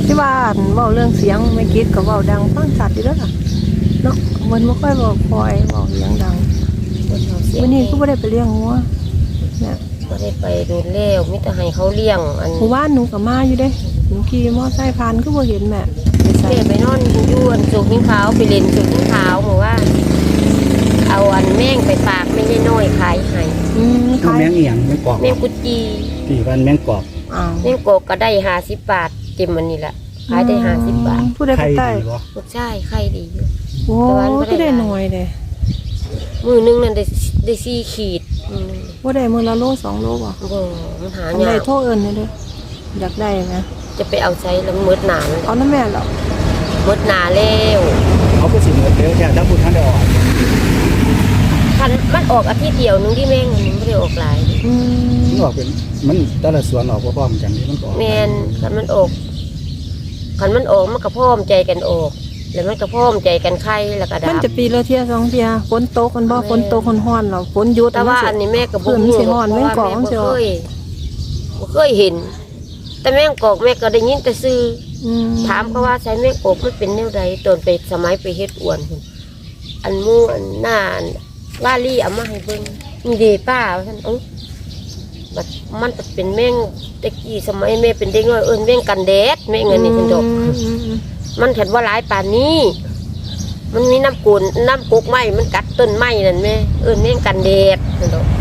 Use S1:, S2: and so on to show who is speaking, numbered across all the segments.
S1: ที่บ้านเว้าเรื่องเสียงไม่คิดก็เว้าดังฟังชัดอยู่แล้วล่ะเนาะมันบ่ค่อยบอกคอยเว้าเสียงดังวันนี้ก็บ่ได้ไปเลี้ยงงัวเนี่ย
S2: ก็ได้ไปโดนแล้วมิตรให้เขาเลี้ยงอัน
S1: หมู่บ้านหนูก็มาอยู่เด้หนูขี่มอไซค์ผ่านก็บ่เห็นแม่ไปใส่
S2: แม่ไปนอนอยู่อันสุกหิ้งขาวไปเล่นสุกหิ้งขาวหมู่ว่าเอาอันแม่งไปฝากไม่ใช่น้อยขายให้
S1: ขาย
S3: แมงเอียงแมงกอก
S2: แม่งกุจี
S3: ที่บ้านแมงกอก
S1: อ้าว
S2: แม่งโกก็ได้50 บาทเต็มมันนี่แหละขายได้50 บาท
S1: ผู้ใด
S3: ใคร
S1: ไปใต้
S3: ดีบ่
S2: ลูกชายใครดีอยู่
S1: โอ้ก็ได้หน่อยเด้
S2: มือนึงนั่นได้4 ขีดมือนึง
S1: บ่ได้มื้อละโล2 โลบ่
S2: บ่มันหา
S1: อัน
S2: ยา
S1: ใด
S2: ก
S1: โทรเอิ้นเด้ออยากได้ไหม
S2: จะไปเอาใช้แล้วมืดหนาเลย
S1: เอาน้ำแม่เหรอ
S2: มืดหนาแล้ว
S3: เขาก็สิเหมือนเดิมแค่ถ้าพูดท่านได้ออก
S2: คันมันออกอาทิตย์เดียวนึงที่แม่งมันไม่ได้ออกหลาย
S3: มันออกเป็นมันแต่ละสวนออกพร้อมๆกันนี่มันก็ออก
S2: แม่นคันมันออกมันก็พร้อมใจกันออก แล้วมันก็พร้อมใจกันไข่แล้วก็ดั
S1: มัน
S2: บ
S1: จะปีละเที่ย2 เที่ยฝนตกกันบ่ฝนตกฮ้อนๆแล้วฝนหยุด
S2: แต่ว่าอันนี้แม่ก็บ่
S1: เพิ่น
S2: รู้
S1: สิฮ้อนแม่งกอก
S2: เพ
S1: มัน
S2: ราะ
S1: สิ
S2: ว่า
S1: ออก
S2: แม่บ่เคยเห็น แต่แม่งกอกแม่ก็ได้ยินแต่ซื่อ ถามเขาว่าใช้แม่งกอกมันเป็นแนวใดตอนไปสมัยไปเฮ็ดอวนพุ่นอันหมู่อันหน้าอันว่าลี่เอามาให้เบิ่งนี่เด้ป้าว่าซั่นบัดมันจะเป็นแม่งตะกี้สมัยแม่เป็นเด็กน้อยเอิ้นแม่งกันแดดแม่งอันนี้เพิ่นดอก มันเห็นว่าหลายป่านนี้ มันมีน้ำกุนน้ำกุกไม้มันกัดต้นไม้นั่นแม่เอิ้นแม่งกันแดดเพิ่นดอก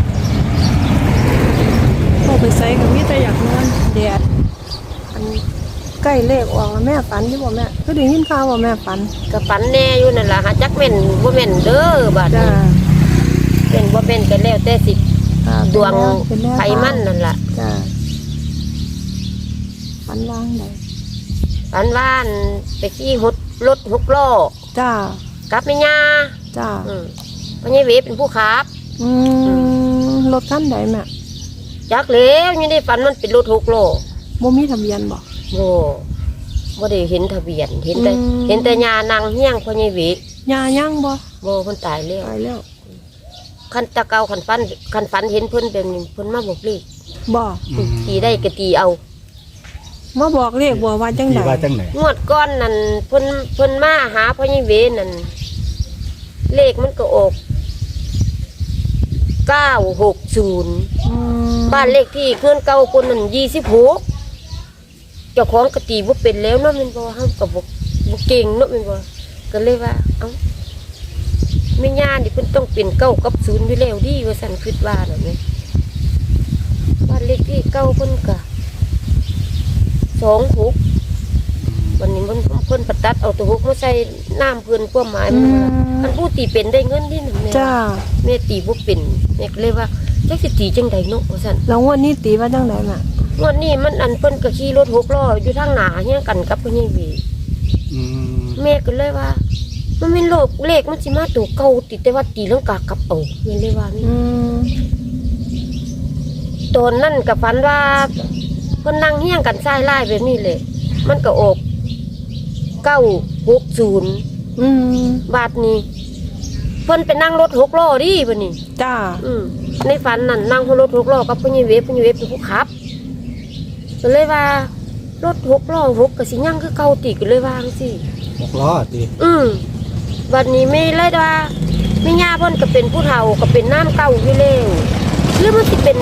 S1: พอไปใส่ก็มีแต่อยากนอนแดดอันใกล้เลขออกแล้วแม่ฝันอยู่บ่แม่ก็ได้ยินข่าวว่าแม่ฝัน
S2: ก็ฝันแน่อยู่นั่นล่ะหาจักแม่นบ่แม่นเด้อบาด
S1: จ้า
S2: นี้เป็นบ่แม่นก็แล้วแต่สิ
S1: ค่ะ
S2: ดวง
S1: เป็นแนว
S2: ไผมันนั่นล่ะ
S1: จ้าฝันว่างใด
S2: ฝันว่าอันไปขี่รถ6 ล้อ
S1: จ้า
S2: กับแม่ย่า
S1: จ้า
S2: พ่อใหญ่เวเป็นผู้ขับ
S1: รถคันใดแม่
S2: จักแล้วยังได้ฝันมันเป็นรถ6 ล้อ
S1: บ่มีทะเบียนบ่
S2: บ่ได้เห็นทะเบียนเห็นแต่
S1: อืม
S2: เห็นแต่ย่านั่งเฮียงพ่อใหญ่เว
S1: ยายังบ่
S2: บ่เพิ่นตายแล้ว
S1: ตายแล้ว
S2: คันตะเกาคันฝันเห็นเพิ่นแบบนี้เพิ่นมาบอกเลข
S1: บ่
S2: ตีได้ก็ตีเอา
S1: มาบอกเลขบ่ว่าจัง
S3: ที่
S1: ได๋
S3: ว่าจังไหน
S2: งวดก้อนนั่นเพิ่นมาหาพ่อใหญ่เวนั่นเลขมันก็ออก960บ้านเลขที่เพื่อนเก่าคนนั้น26เจ้าของก็ตีบ่เป็นแล้วเนาะแม่นบ่เฮาก็บ่เก่งเนาะแม่นบ่ก็เลยว่าเอ้าแม่ย่านี่เพิ่นต้องเป็น9กับ0อยู่แล้วดีว่าซั่นคิดว่าน่ะแม่บ้านเลขที่เก่าเพิ่นก็26วันนี้มันเพิ่นประตัดเอาตัว6มาใส่น้ำเพิ่นความหมายมันว่าอันผู้ตีเป็นได้เงินที่นั่นแม่
S1: จ้า
S2: แม่ตีบ่เป็นแม่ก็เลยว่าจักสิตีจังใดเนาะว่าซั่น
S1: แล้วงวดนี้ตีว่าจังไดแม่
S2: งวดนี้มันอันเพิ่นก็ขี่รถ6 ล้ออยู่ทางหน้าเฮียงกันกับพ่อใหญ่เว
S3: อืม
S2: แม่ก็เลยว่า มันเป็นโลกเลขมันสิมาตัวเก่าติแต่ว่าตีลังกากลับเอาแม่เลยว่านี่ ตอนนั้นกับฝันว่าเพิ่นนั่งเฮี้ยงกันซ้ายไล่แบบนี้เลยมันก็ออก960บาทนี้เพิ่นไปนั่งรถ6 ล้อดิบัดนี้
S1: จ้า
S2: ในฝันนั่นนั่งรถ6 ล้อกับพ่อใหญ่เวพ่อใหญ่เวเป็นผู้ขับก็เลยว่ารถ6 ล้อ6ก็สิยังคือเก่าติก็เลยว่าจังซี่
S3: 6 ล้อติ
S2: บัดนี้ไม่เลยว่าแม่ย่าเพิ่นก็เป็นผู้เฒ่าก็เป็นน้ำเก่าอยู่แล้วหรือมันสิเป็น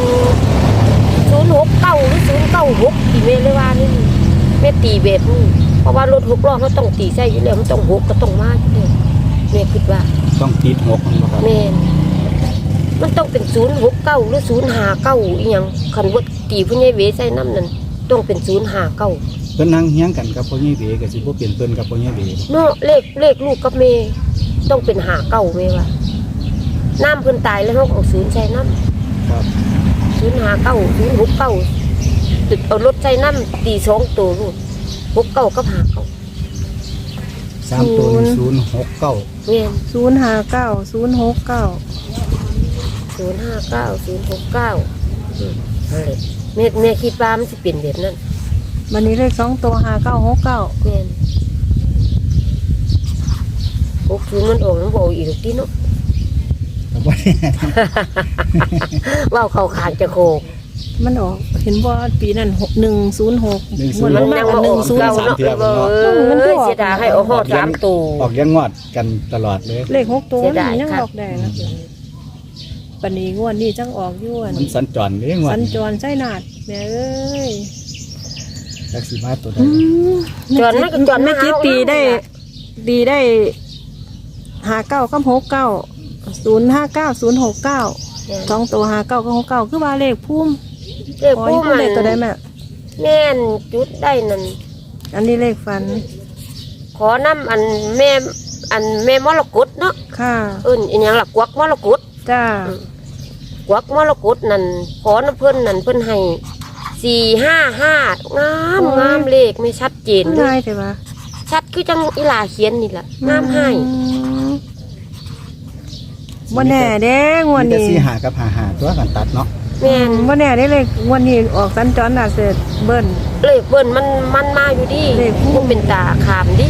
S2: 069หรือ096ที่แม่เลยว่านี่แม่ตีแบบนี้เพราะว่ารถ6 ล้อเขาต้องตีใส่อยู่แล้วมันต้อง6ก็ต้องมาอยู่แล้วแม่คิดว่า
S3: ต้องติด6มันบ่ครับ
S2: แม่นมันต้องเป็น069หรือ059อีหยังคันว่าตีผู้ใหญ่เวใส่น้ำนั่นต้องเป็น059
S3: เพิ่นนั่งเฮียงกันกับพ่อใหญ่เวก็สิบ่เป็นเพิ่นกับพ่อใหญ่เว
S2: เนาะเลขลูกกับแม่ต้องเป็น59แม่ว่าน้ำเพิ่นตายแล้วเขาเอา0ใส่น้ำ
S3: ครับ
S2: 059 069ตึกเอารถใส่น้ำตี2ตัวลูก69กับ59
S3: 3ตัวนี่069
S2: แม่น
S1: 059 069
S2: 059 069นั่นแหละแม่คิดว่ามันสิเป็นแบบนั้น
S1: วันนี้เลข2ตัว5969
S2: แม่น60มันออกมันบ่อีกดอกติเนาะ
S3: ก็บ่ได้
S2: เว้าเข้าข้างจะโคก
S1: มันออกเห็นว่าปีนั้น106
S2: มันยังมาออกเก่าเนาะเสียดายให้ออกฮอด3ตัว
S3: ออกยังงอดกันตลอดเลย
S1: เลข6ตัว
S2: เสียดาย
S1: ยัง
S2: ครับ
S1: ออกได้นะปานนี้งวดนี้จังออกอยู่
S3: มันสัญจรนี่งอ
S1: สั
S3: ด
S1: ญจรใช่นาดแม่เอ้ย
S3: จักสิมาตัวใด
S2: จรมันก็จร
S1: ไม่
S2: มาหา
S1: คิดตีได้ดีได้59กับ69 059 069 2ตัว59กับ69คือว่าเลขพุ่ม
S2: เลข
S1: ขอ
S2: ผู้
S1: ให้พุ่ม
S2: มัน
S1: เลขตัวใดแม่
S2: แม่นจุดได้นั่น
S1: อันนี้เลขฝัน
S2: ขอน้ำอันแม่มรกตเนาะ
S1: ค่ะ
S2: อีหยังล่ะกวักมรกต
S1: จ้าก
S2: วักมรกตนั่นขอน้ำเพิ่นนั่นเพิ่นให้455งามเลขไม่ชัดเจนเล
S1: ง่าย
S2: ย
S1: แต่ว่า
S2: ชัดคือจังอีหลาเขียนนี่ล่ะงามให้
S1: บ่แน่เด้งวด
S3: มีแต่
S1: นี้
S3: สิหากับหาตัวกันตัดเนาะ
S2: แม่น
S1: บ่แน่ได้เลขงวดนี้ออกสัญจรน่ะเสร็จเบิ้ล
S2: เลขเบิ่นมันมาอยู่ดิ
S1: เลขผู้
S2: บ่เป็นตาขามดิ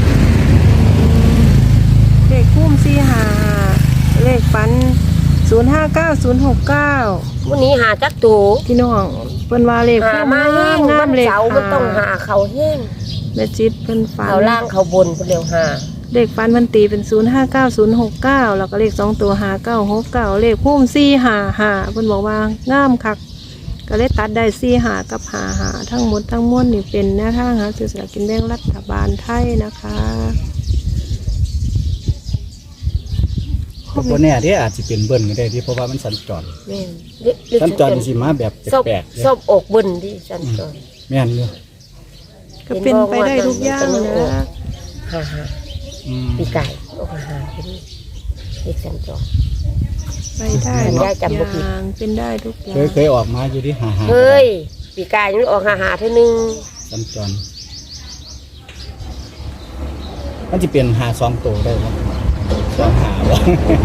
S1: เลขพุ่ม45เลขฝัน059 069
S2: วันนี้หาจักตู
S1: พี่น้องเพิ่นว่าเลข
S2: หา
S1: พุ่ม
S2: มาแห้ง
S1: งาม
S2: มัน
S1: เลข
S2: เสามันต้องหาเขาแห้ง
S1: แม่จิตเพิ่นฝัน
S2: เขาล่างเขาบนเพิ่นเร็วหา
S1: เลขฝันมันตีเป็น059 069แล้วก็เลข2ตัว5969เลขพุ่ม455เพิ่นบอกว่างามคักก็เลยตัดได้45กับ55ทั้งหมดทั้งมวลนี่เป็นแนวทางหาซื้อสลากกินแบ่งรัฐบาลไทยนะคะ
S3: ก็บ่แน่เด้อาจสิเป็นเบิ้ลก็ได้ที่เพราะว่ามันสัญจร
S2: แม่นหรือ
S3: สัญจรสิมาแบบ
S2: ซอบ
S3: แปลกๆเด้
S2: ซอบอกเบิ่นดิสันจร
S3: แม่นอยู่
S1: ก็เป็นไปได้ทุกอย่างนะ
S2: หา
S3: อืม
S2: ปีไก่ออกหาเป็นเลขสันจร
S1: ไปได้
S2: ได้
S1: ทุก
S2: จำบ่ผิด
S1: อย่างเป็นได้ทุกอย่าง
S3: เคยออกมาอยู่ที่หา
S2: เฮ้ยปีไก่ยังออกหาเท่านึง
S3: สัญจรมันจะเป็นหา2ตัวได้บ่2หาบ่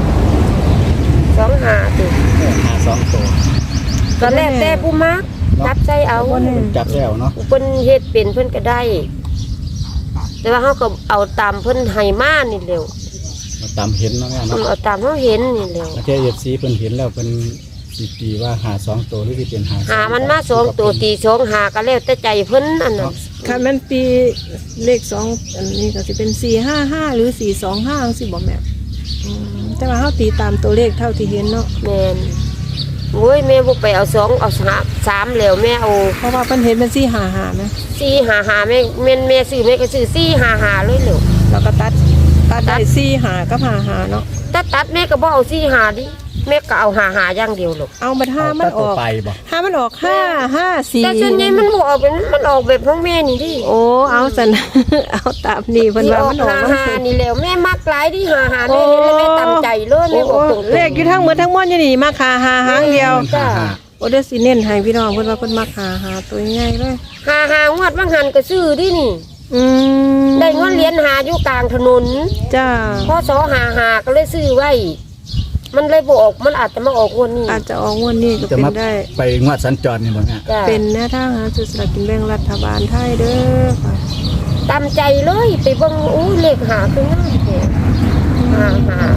S2: 2หาติ
S3: หา2ตัว
S2: ก็แล้วแต่ผู้มักจับใจเอา
S3: จับแล้วเนาะ
S2: เพิ่นเฮ็ดเป็นเพิ่นก็ได้ แต่ว่าเขาก็เอาตามเพิ่นให้มานี่เร็ว
S3: มาตามเห็นเนาะแม่เนาะ
S2: เอาตามเขาเห็นนี่เร็ว
S3: ประเทศ FC เพิ่นเห็นแล้วเพิ่นสิตีว่าหา2ตัวหรือสิเป็นหา
S2: หามันมา2ตัวตี2หาก็แล้วแต่ใจเพิ่นอันนั้น
S1: ค่ะมันปีเลข2อันนี้ก็สิเป็น455หรือ425จังซี่บ่แม่แต่ว่าเฮาตีตามตัวเลขเท่าที่เห็นเนาะ
S2: แม่นโอ้ยแม่บ่ไปเอา2เอา3แล้วแม่เอา
S1: เพราะว่าเพิ่นเห็นเป็น455นะ
S2: 455แม่แม่ซื้อแม่ก็ซื้อ455เลยเร็ว
S1: แล้วก็ตัดได้45กับ55เนาะ
S2: ตัดแม่ก็บ่เอา455ดิแม่ก็เอา55อย่างเดียวลูก
S1: เอาบัดห้ามันอ
S3: ตัว
S1: อก
S3: ไปบ่
S1: ห้ามันออก554
S2: แต่ส่วนใหญ่มันบ่ออกเป็นมันออกแบบของแม่นี่ดิ
S1: โอ้เอาซั่น เอาตามนี่เพิ่นว่ามันออก
S2: 55นี่แล้วแม่มักหลายดิ55แม่เห็นแล้วแม่ตามใจเลยแม่บอกตรงๆ
S1: เลขอยู่ทั้งหมดทั้งมวลอยู่นี่มาคาหาหางเดียว
S2: จ้า
S1: โอเดยวสิเน้นให้พี่น้องเพิ่นว่าเพิ่นมาหาตัวใหญ่เลย
S2: 55งวดบางหันก็ซื้อดินี่
S1: อืม
S2: ได้เงินเหรียญหาอยู่กลางถนน
S1: จ้า
S2: พศ55ก็เลยซื้อไว้ มันเลยบ่ออกมันอาจจะมาออกงวดนี้
S1: อาจจะออกงวดนี้ก็
S3: จะ
S1: เป็น
S3: มา
S1: ได้
S3: ไปงวดสัญจรนี่บ่แม่
S2: จ้า
S1: เป็นแนวทางหาซื้อสลากกินแบ่งรัฐบาลไทยเด้อค่ะ
S2: ตามใจเลยไปเบิ่งอู้เลขหาคืองามแท้หา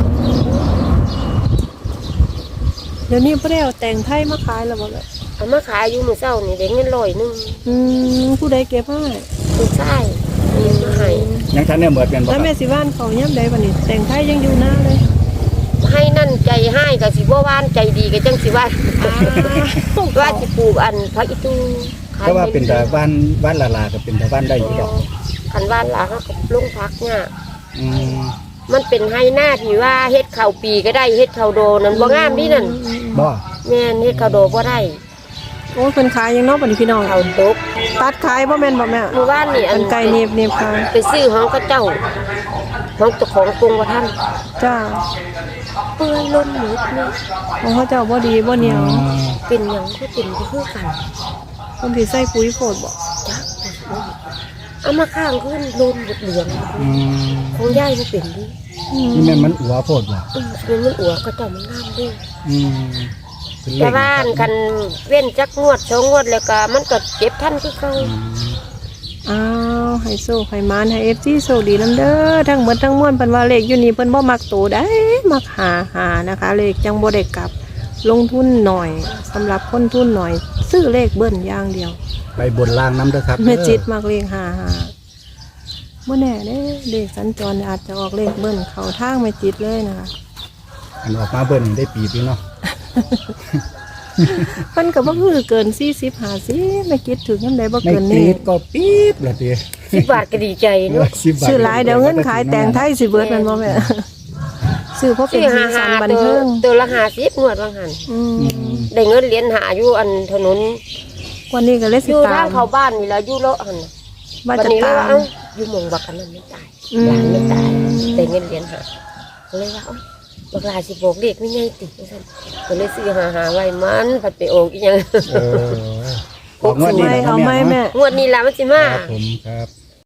S1: เดี๋ยวนี้บ่ได้เอาแต่งไทยมาขายแล้วบ่ล่ะ
S2: เอามาขายอยู่มื้อเช้านี่ได้เงิน100นึง
S1: ผู้ใดเก็บให้
S2: ผู้ชายนี่มาให้
S3: ยังทันได้เหมือนกันบ่ค
S1: แล้ว
S3: รับ
S1: แม่สิว่านเขาย่ำใดบัดนี้แต่งไทยยังอยู่หน้าเลย
S2: ให้นั่นใจให้ก็สิบ่ว่านใจดีก็จังสิว่าว่าสิปลูกอันผักอีตูขย
S3: เพราะว่าเป็นแต่บ้านลาก็เป็นแต่บ้านได้อยู่ดอก
S2: คันว่านหลาเขาก็ลงพักเนี่ย
S3: อืม
S2: มันเป็นให้หน้าที่ว่าเฮ็ดข้าวปีก็ได้เฮ็ดข้าวโดนั่นบ่งามดินั่น
S3: บ่
S2: แม่นเฮ็ดข้าวโดบ่ได้
S1: โอ้ยเพิ่นขายยังเนาะบัดนี้พี่น้อง
S2: ข้าวตก
S1: ตัดขายบ่แม่นบ่แม่
S2: เมื่อวานนี่อั
S1: เป็น นไก่เนียบขาย
S2: ไปซื้อของเขาเจ้าของเจ้าของกรุงว่าท่าน
S1: จ้า
S2: เปื่อยล้นหมดเลย
S1: ของเขาเจ้าบ่ดีบ่เหนียว
S2: เป็นหยังก็เป็นก็คือกัน
S1: เพิ่นสิใส่ปุ๋ยโพดบ่
S2: จักเอามาข้างขึ้นโดนเหลือง
S3: อืม
S2: ของยายบ่เป็นดิ
S3: นี่แม่นมันอัวโพดบ่
S2: มันอวก็เจ้ามันงามดิ
S3: อืมเป็นเล
S2: แต่
S3: ข
S2: บ้านกันเว้นจักงวด2งวดแล้วก็มันก็เก็บทันคือเก่า
S3: อืม
S1: อ้าวให้โซ่ให้มานให้ FC โชคดีนำเด้อทั้งหมดทั้งมวลเพิ่นว่าเลขอยู่นี่เพิ่นบ่มักโตได้มักหานะคะ เลขจังบ่ได้กลับ ลงทุนหน่อยสำหรับคนทุนหน่อยซื้อเลขเบิ้ลอย่างเดียว
S3: ไปบนล่างน้ำเด้อครับ
S1: แม่จิตมากเลขหาบ่แน่เด้เลขสัญจรอาจจะออกเลขเบิ้ลเข้าทางแม่จิตเลยนะคะ
S3: อันออกมาเบิ่นได้ปีพี่เนาะ
S1: เพิ่นก็บ่คือเกิน40 50แม่จิตถึงยามใดบ่
S3: ไม่
S1: เกิน
S3: ปี
S1: นี้
S3: ดก็ปี๊บละติ
S2: 10 บาทก็ดีใจเนาะ
S3: 10 บาท
S1: ซื้อหลายเดี๋ยวเงินขายแต่งไทยสิเบิดแม่นบ่แม่ซื้อเพราะเป็นสีสันบันเทิง
S2: ตัวละ50งวดว่าหั่น
S1: อืม
S2: ได้เงินเหรียญหาอยู่อันถนน
S1: วันนี้ก็เลย
S2: อ
S1: สิ
S2: ยู่
S1: ตา
S2: ทาง
S1: ม
S2: เข้าบ้านนี่แล้วอยู่เลาะหั่นน่ะ
S1: ว่า
S2: วัน
S1: จะ
S2: นี้เลย
S1: ตา
S2: ว่าม เอ้าอยู่หมองบักอันนั้นไม่ตายหลานไม่ตายได้เงินเหรียญหาก็เลยว่าเอ้าบักหลาสิบอกเลขไม่ไงติว่าซั่นก็เลยซื้อหาไว้มันผัดไปโอกอีหยัง
S3: เออออกงวดนี้
S1: ไม่
S3: นะ
S1: เอา
S3: แม่
S1: ไม่
S3: เนาะ
S1: แม่
S2: งวดนี้ล่ะมันสิมา
S3: ครับผมครับ